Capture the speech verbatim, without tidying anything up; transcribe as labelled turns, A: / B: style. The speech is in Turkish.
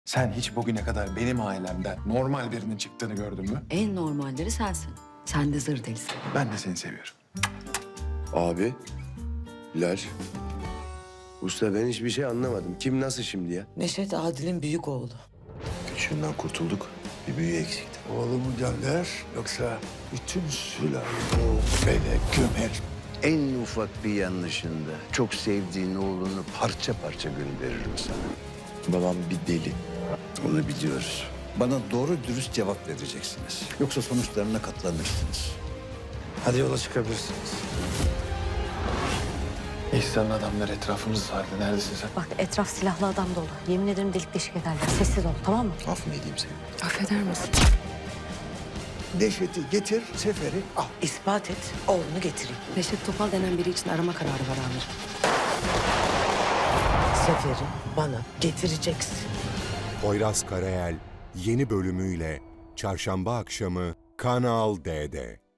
A: Sen hiç bugüne kadar benim ailemden normal birinin çıktığını gördün mü?
B: En normalleri sensin. Sen de zır delisin.
A: Ben de seni seviyorum.
C: Abi, Bilal. Usta ben hiçbir şey anlamadım. Kim nasıl şimdi ya?
D: Neşet Adil'in büyük oğlu.
C: Küçüğünden kurtulduk. Bir büyüğü eksikti.
E: Oğlumu gönder yoksa bütün sülalemi o bele gömer.
F: En ufak bir yanlışında çok sevdiğin oğlunu parça parça gönderirim sana.
C: Babam bir deli.
F: Onu biliyoruz. Bana doğru dürüst cevap vereceksiniz. Yoksa sonuçlarına katlanırsınız. Hadi yola çıkabilirsiniz.
A: İhsan'ın adamları etrafımızı sardı. Neredesin sen?
G: Bak etraf silahlı adam dolu. Yemin ederim delik deşik ederler. Sessiz ol, tamam mı?
C: Af mı edeyim seni?
B: Affeder misin?
E: Neşet'i getir, Sefer'i al.
D: İspat et, oğlunu getireyim.
B: Neşet Topal denen biri için arama kararı var amirim.
D: Sefer'i bana getireceksin.
H: Poyraz Karayel yeni bölümüyle Çarşamba akşamı Kanal D'de.